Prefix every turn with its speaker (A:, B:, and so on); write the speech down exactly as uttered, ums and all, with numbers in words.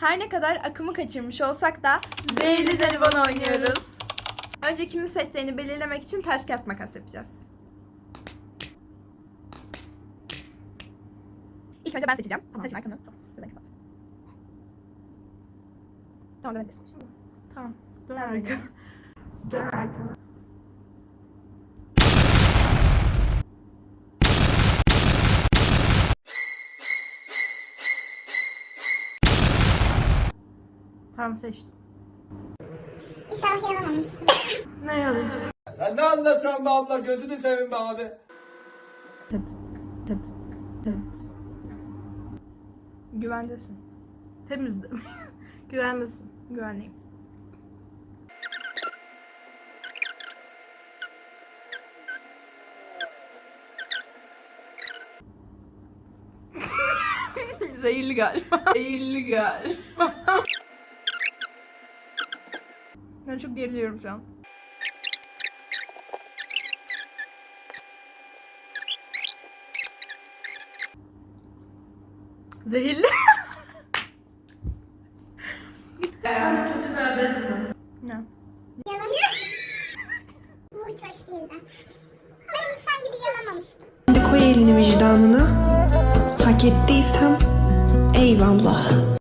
A: Her ne kadar akımı kaçırmış olsak da zehirli jelibon oynuyoruz. Önce kimi seçeceğini belirlemek için taş kağıt makas yapacağız. İlk önce ben seçeceğim. Tamam. Taşın arkanı. Gözden kapat. Tamam, dönebilirsin şimdi.
B: Tamam. Dön arkana. Dön arkana. Tamam, seçtim.
C: İnşallah yaramamışsın.
B: Ne yalayacak?
D: Sen ne anlatıyorsun be abla? Gözünü seveyim be abi.
B: Temiz. Temiz. Temiz.
A: Güvendesin.
B: Temiz de. Güvendesin.
A: Güvenliyim. Zehirli galiba. Zehirli galiba. Ben çok geriliyorum şu an.
B: Zehirli. Sen kötü bir haberin mi?
A: Ne?
C: Yalan. Bu hiç hoş değildi. Ama insan gibi yalamamıştım.
E: Koy elini vicdanına. Hak ettiysem eyvallah.